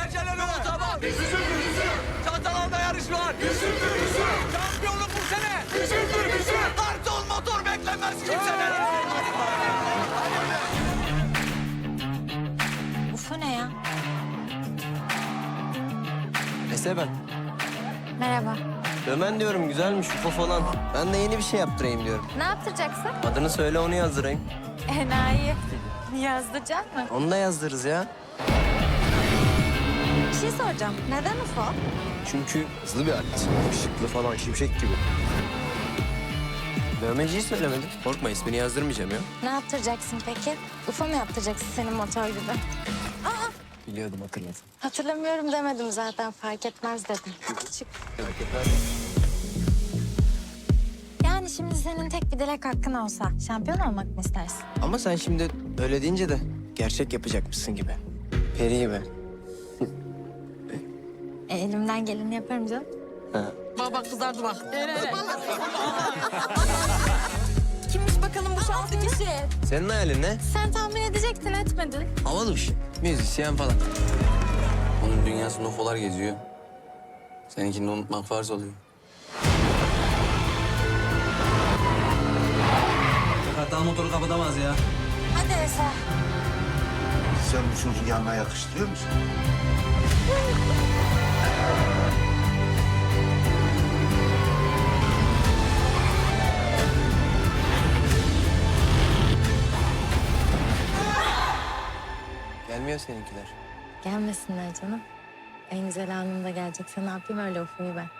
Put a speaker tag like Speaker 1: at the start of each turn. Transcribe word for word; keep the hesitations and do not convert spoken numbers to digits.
Speaker 1: Pencereli otoban. Bizimdir bizim. Çantalarda yarış var. Bizimdir bizim. Şampiyonluk bu sene. Bizimdir bizim. Kartal motor beklemez kimseden.
Speaker 2: Ufo ne ya?
Speaker 3: Ese ben.
Speaker 2: Merhaba.
Speaker 3: Dömen diyorum güzelmiş ufo falan. Ben de yeni bir şey yaptırayım diyorum.
Speaker 2: Ne yaptıracaksın?
Speaker 3: Adını söyle onu yazdırayım.
Speaker 2: Enayi. Yazdıracak mı?
Speaker 3: Onu da yazdırırız ya.
Speaker 2: Bir şey soracağım. Neden Ufo?
Speaker 3: Çünkü hızlı bir alet. Işıklı falan şimşek gibi. Dövmeciyi söylemedim. Korkma ismini yazdırmayacağım ya.
Speaker 2: Ne yaptıracaksın peki? Ufo mu yaptıracaksın senin motor gibi? Aa,
Speaker 3: Biliyordum hatırladım.
Speaker 2: hatırlamıyorum demedim zaten. Fark etmez dedim. Çık.
Speaker 3: Merak etmez.
Speaker 2: Yani şimdi senin tek bir dilek hakkın olsa şampiyon olmak mı istersin?
Speaker 3: Ama sen şimdi öyle deyince de gerçek yapacakmışsın gibi. Peri gibi.
Speaker 2: E, elimden geleni yaparım canım.
Speaker 3: Ha.
Speaker 4: Bak bak kızardı bak. Kimmiş bakalım bu şanslı kişi?
Speaker 3: Senin hayalin ne?
Speaker 2: Sen tahmin edecektin etmedin.
Speaker 3: Havalı bir şey. Müzisyen falan.
Speaker 5: Onun dünyasında ufolar geziyor. Seninkini unutmak farz oluyor.
Speaker 6: Kartal motoru kapatamaz ya.
Speaker 2: Hadi Eser.
Speaker 7: Sen bu çocuğu yanına yakıştırıyor musun?
Speaker 3: Gelmiyor seninkiler.
Speaker 2: Gelmesinler canım. En güzel anında gelecekse ne yapayım öyle Ufo'yu ben.